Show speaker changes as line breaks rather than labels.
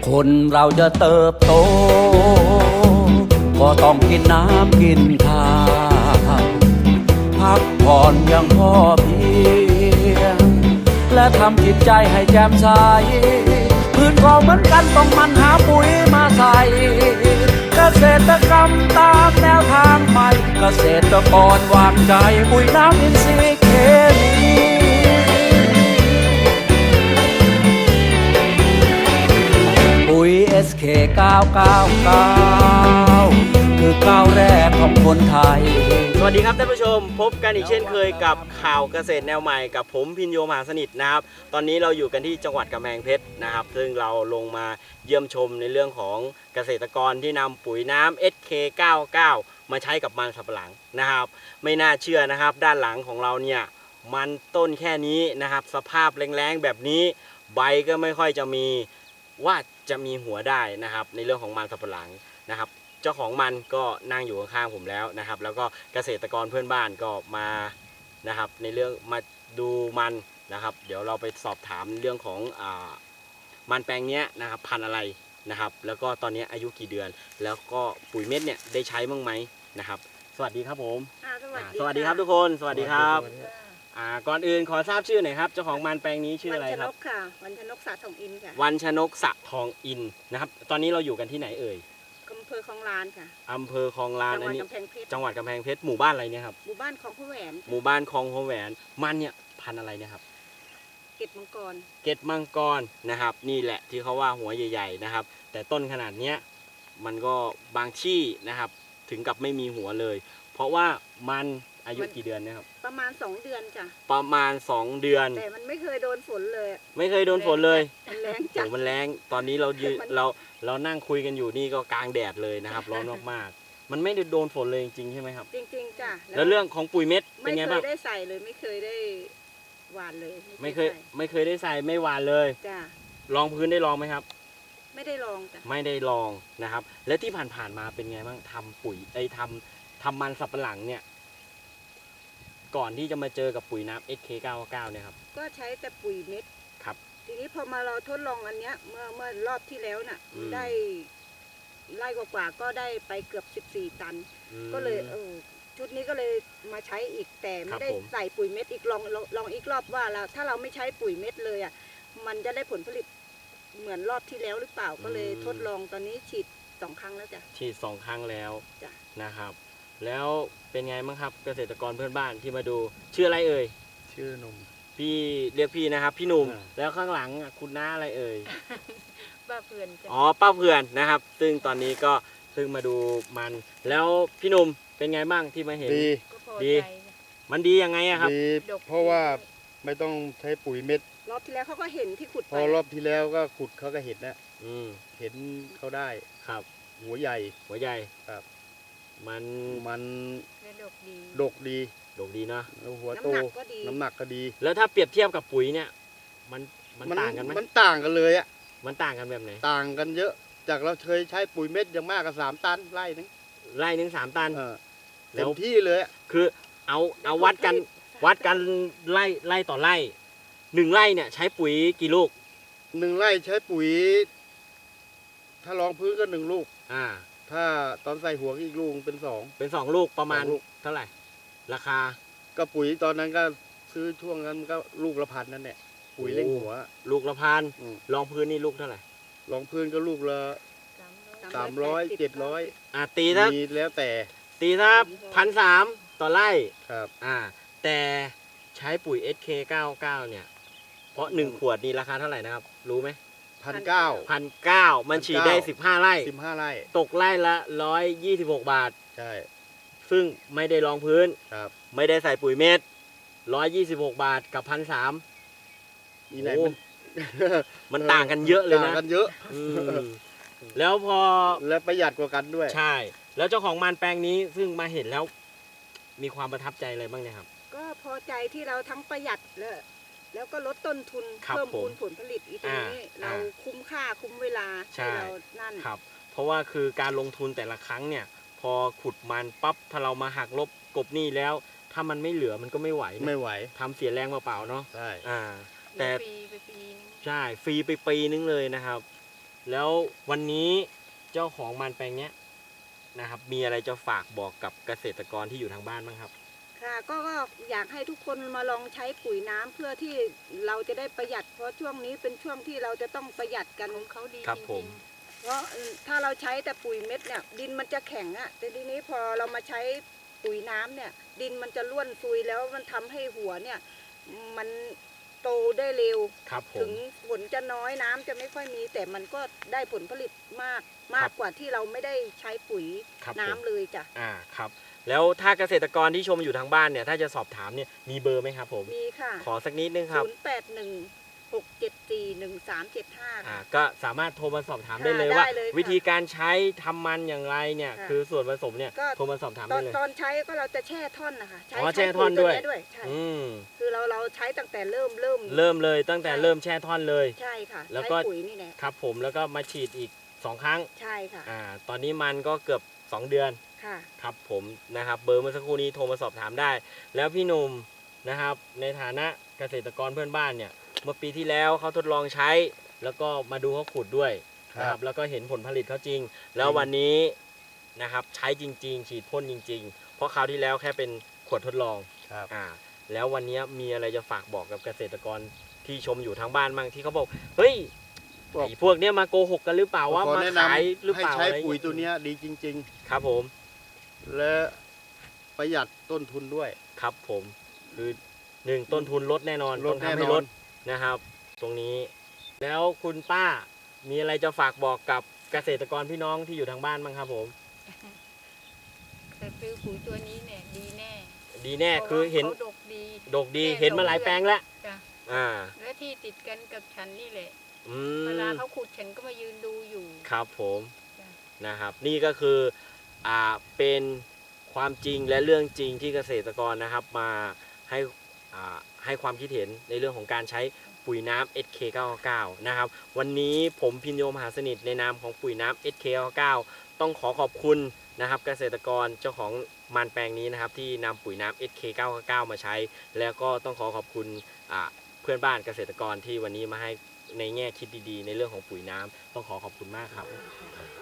คนเราจะเติบโตก็ต้องกินน้ำกินข้าวพักผ่อนอย่างพอเพียงและทำจิตใจให้แจ่มใสพืชก็เหมือนกันต้องมันหาปุ๋ยมาใส่เกษตรกรรมตามแนวทางใหม่เกษตรกรวางใจปุ๋ยน้ำอินทรีย์เคมีปุ๋ย SK 999คือก้าวแรกของคนไทย
สวัสดีครับท่านผู้ชมพบกันอีกเช่นเคยกับข่าวเกษตรแนวใหม่กับผมพินโยมหาสนิทนะครับตอนนี้เราอยู่กันที่จังหวัดกำแพงเพชรนะครับซึ่งเราลงมาเยี่ยมชมในเรื่องของเกษตรกรที่นำปุ๋ยน้ำ SK99 มาใช้กับมันสำปะหลังนะครับไม่น่าเชื่อนะครับด้านหลังของเราเนี่ยมันต้นแค่นี้นะครับสภาพแรงๆแบบนี้ใบก็ไม่ค่อยจะมีว่าจะมีหัวได้นะครับในเรื่องของมันสำปะหลังนะครับเจ้าของมันก็นั่งอยู่ข้างๆผมแล้วนะครับแล้วก็เกษตรกรเพื่อนบ้านก็มานะครับในเรื่องมาดูมันนะครับเดี๋ยวเราไปสอบถามเรื่องของมันแปลงนี้นะครับพันธุ์อะไรนะครับแล้วก็ตอนนี้อายุกี่เดือนแล้วก็ปุ๋ยเม็ดเนี่ยได้ใช้บ้างไหมนะครับสวัสดีครับผมสวัสดีครับทุกคนสวัสดีครับก่อนอื่นขอทราบชื่อหน่อยครับเจ้าของมันแปลงนี้ชื่ออะไรครับ
วันชนกสะทองอินค่ะ
วันชนกสะทองอินนะครับตอนนี้เราอยู่กันที่ไหนเอ่ย
อำเภอคลองลานค่ะ
อำเภอคลองลานอันนี้จังหวัดกำแพงเพชรหมู่บ้านอะไรเนี่ยครับ
หมู่บ้านคลองพระแหวน
หมู่บ้านคลองพระแหวนมันเนี่ยพันธุ์อะไรเนี่ยครับ
เกตมังกร
นะครับนี่แหละที่เขาว่าหัวใหญ่ๆนะครับแต่ต้นขนาดเนี้ยมันก็บางที่นะครับถึงกับไม่มีหัวเลยเพราะว่ามันอายุกี่เดือนนะครับ
ประมาณ2 เดือนจ้ะ
ประมาณ2 เดือน
แต่มันไม่เคยโดนฝนเลย
ไม่เคยโดนฝนเลย
มันแรงจัด
มันแรงตอนนี้เรานั่งคุยกันอยู่นี่ก็กลางแดดเลยนะครับร้อนมากๆมันไม่ได้โดนฝนเลยจริงๆใช่ไหมครับ
จริงๆจ้ะ
แล้วเรื่องของปุ๋ยเม็ดเป็นไงบ้าง
ไม่เคยได้ใส่เลยไม่เคยได้หว่านเลย
ไม่เคยได้ใส่ไม่หว่านเลย
จ้ะ
ลองพื้นได้ลองไหมครับ
ไม่ได้ลองจ้ะ
ไม่ได้ลองนะครับและที่ผ่านมาเป็นไงบ้างทำปุ๋ยทำมันสับปะหลังเนี่ยก่อนที่จะมาเจอกับปุ๋ยน้ำ SK99 เนี่ยครับ
ก็ใช้แต่ปุ๋ยเม็ด
ครับ
ทีนี้พอมาเราทดลองอันเนี้ยเมื่อรอบที่แล้วน่ะได้ไร่กว่าก็ได้ไปเกือบ14 ตันก็เลยชุดนี้ก็เลยมาใช้อีกแต่ไม่ได้ใส่ปุ๋ยเม็ดอีกลองอีกรอบว่าเราถ้าเราไม่ใช้ปุ๋ยเม็ดเลยอ่ะมันจะได้ผลผลิตเหมือนรอบที่แล้วหรือเปล่าก็เลยทดลองตอนนี้ฉีด2 ครั้งแล้วจ้ะ
ฉีด2 ครั้งแล้วนะครับแล้วเป็นไงบ้างครับเกษตรกรเพื่อนบ้านที่มาดูชื่ออะไรเอ่ย
ชื่อหนุ่ม
พี่เรียกพี่นะครับพี่หนุ่มแล้วข้างหลังคุณน้าอะไรเอ่ย
ป้าเพื่อน
อ๋อป้าเพื่อนนะครับซึ่งตอนนี้ก็มาดูมันแล้วพี่หนุ่มเป็นไงบ้างที่มาเห็นดีมันดียังไงอะครับ
ดีเพราะว่าไม่ต้องใช้ปุ๋ยเม็ด
รอบที่แล้วเขาก็เห็นที่ขุด
พอรอบที่แล้วก็ขุดเขาก็เห็นนะเห็นเขาได้
ครับ
หัวใหญ่
ครับมัน
ดกดี
นะ
แล้วหัวโตน้ำหนักก็ดี
แล้วถ้าเปรียบเทียบกับปุ๋ยเนี่ยมันต่างกันไหม
มันต่างกันเลยอ่ะ
มันต่างกันแบบไหน
ต่างกันเยอะจากเราเคยใช้ปุ๋ยเม็ดอย่างมากก็3 ตันไร่นึง
3 ตัน
เต็มที่เลย
คือเอาวัดกันไร่ต่อไร่1 ไร่เนี่ยใช้ปุ๋ยกี่ลูก
1 ไร่ใช้ปุ๋ยถ้ารองพื้นก็1 ลูกถ้าตอนใส่หัวอีกลูกเป็น
2ลูกประมาณเท่าไหร่ราคา
ก็ปุ๋ยตอนนั้นก็ซื้อช่วงนั้นก็ลูกละ1,000นั่นแหละปุ๋ยเร่งหัว
ลูกละ1,000รองพื้นนี่ลูกเท่าไหร่
รองพื้นก็ลูกละ300 700
ตีถ้า
แล้วแต่
ตีถ้า1,300ต่อไร่
ครับ
แต่ใช้ปุ๋ย SK99 เนี่ยเพราะ1 ขวดนี่ราคาเท่าไหร่นะครับรู้ไหม1,900มันฉีดได้15 ไร่ตกไร่ละ126 บาท
ใช่
ซึ่งไม่ได้รองพื้น
ครับ
ไม่ได้ใส่ปุ๋ยเม็ด126 บาทกับ1,300
นี่ไหน
มันต่างกันเยอะเลยนะ
ต่างกันเยอะ
แล้วพอ
และประหยัดกว่ากันด้วย
ใช่แล้วเจ้าของมันแปลงนี้ซึ่งมาเห็นแล้วมีความประทับใจอะไรบ้างเนี่ยครับ
ก็พอใจที่เราทั้งประหยัดแล้วก็ลดต้นทุนเพิ่มพูนผลผลิตอีกตรงนี้เราคุ้มค่าคุ้มเวลาที่เรานั่น
ครับเพราะว่าคือการลงทุนแต่ละครั้งเนี่ยพอขุดมันปั๊บถ้าเรามาหักลบกบหนี้แล้วถ้ามันไม่เหลือมันก็ไม่ไหวทำเสียแรงเปล่าๆเนาะ
ใช่
แต่
ฟรีไปปีนึง
ใช่ฟรีไปปีนึงเลยนะครับแล้ววันนี้เจ้าของมันแปลงเนี้ยนะครับมีอะไรจะฝากบอกกับเกษตรกรที่อยู่ทางบ้านบ้างครับ
ค่ะก็อยากให้ทุกคนมาลองใช้ปุ๋ยน้ำเพื่อที่เราจะได้ประหยัดเพราะช่วงนี้เป็นช่วงที่เราจะต้องประหยัดกันของเขาดี
ครับ
จ
ผ
ริ
ม
งๆเพราะถ้าเราใช้แต่ปุ๋ยเม็ดเนี่ยดินมันจะแข็งอะแต่ทีนี้พอเรามาใช้ปุ๋ยน้ำเนี่ยดินมันจะร่วนซุยแล้วมันทำให้หัวเนี่ยมันโตได้เร็ว
ครับผ
ถึ
ม
งผลจะน้อยน้ำจะไม่ค่อยมีแต่มันก็ได้ผลผลิตมากกว่าที่เราไม่ได้ใช้ปุ๋ย
ครับ
น้ำ
ผม
เลยจ้ะ
ครับแล้วถ้าเกษตรกรที่ชมอยู่ทางบ้านเนี่ยถ้าจะสอบถามเนี่ยมีเบอร์ไหมครับผม
มีค่ะ
ขอสักนิดนึงครับ
0816741375
ก็สามารถโทรมาสอบถาม
ค่ะ
ได้เลย
ได้
ว่า
เลยค่ะ
วิธีการใช้ทำมันอย่างไรเนี่ย
ค่ะ
คือส่วนผสมเนี่ย
ก็
โทรมาสอบถาม
ตอ
ได้
น
เลย
ตอนใช้ก็เราจะแช่ท่อนนะคะ
อ๋อแช่ท่อนด้วย
ปุ๋ตัวเใช่
อืม
คือเราใช้ตั้งแต่เริ่ม
เริ่มเลยตั้งแต่
ใช่
เริ่มแช่ท่อนเลย
ใช่ค่ะ
แล้วก็
ใช้ปุ๋ยนี่แหละ
ครับผมแล้วก็มาฉีดอีก 2 ครั้ง
ใช่ค่ะ
ตอนนี้มันก็เกือบ 2 เดือน
ค่ะ
ครับผมนะครับเบอร์เมื่อสักครู่นี้โทรมาสอบถามได้ แล้วพี่หนุ่มนะครับในฐานะเกษตรกรเพื่อนบ้านเนี่ยเมื่อปีที่แล้วเขาทดลองใช้ แล้วก็มาดูเขาขุดด้วยนะครับแล้วก็เห็นผลผลิตเขาจริง แล้ววันนี้นะครับใช้จริง ๆ ฉีดพ่นจริง ๆ เพราะคราวที่แล้วแค่เป็นขวดทดลอง
ครับ
แล้ววันนี้มีอะไรจะฝากบอกกับเกษตรกรที่ชมอยู่ทางบ้านบ้างที่เขาบอกเฮ้ย
บอก
ไอ้พวกเนี้ยมาโกหกกันหรือเปล่าว่า
ขอ
มา
แนะน
ขายหรือ
ำให้
เปล่า
ใช้
อะไร
ปุ๋ยตัวเนี้ยดีจริง
ครับผม
ๆ และประหยัดต้นทุนด้วย
ครับผมคือ1ต้นทุนลดแน่นอน
ล
ต้
ด
อง
แน่
ทำให้
น
ล
อ
ด
น
นะครับ ตรงนี้ แล้วคุณป้ามีอะไรจะฝากบอกกับเกษตรกรพี่น้องที่อยู่ทางบ้านบ้างครับผม
แต่ซื้อปุ๋ยตัวนี้เนี่ยดีแน่
ดีแน่คือเห็น
ขาดกดี
ดกดี
แน่
เห็นมาหลายแปลงแล้ว
จ้ะ
อ่า
และที่ติดกันกับฉันนี่แหละ
อื
เวลาม เขาขุดฉันก็มายืนดูอยู่
ครับผม
จ้ะ
นะครับนี่ก็คือเป็นความจริงและเรื่องจริงที่เกษตรกรนะครับมาให้ให้ความคิดเห็นในเรื่องของการใช้ปุ๋ยน้ำ SK99 นะครับวันนี้ผมพินโยมหาสนิทในนามของปุ๋ยน้ำ SK99 ต้องขอขอบคุณนะครับเกษตรกรเจ้าของมันแปลงนี้นะครับที่นำปุ๋ยน้ำ SK99 มาใช้ แล้วก็ต้องขอบคุณเพื่อนบ้านเกษตรกรที่วันนี้มาให้ในแง่คิดดีๆ ในเรื่องของปุ๋ยน้ำต้องขอบคุณมากครับ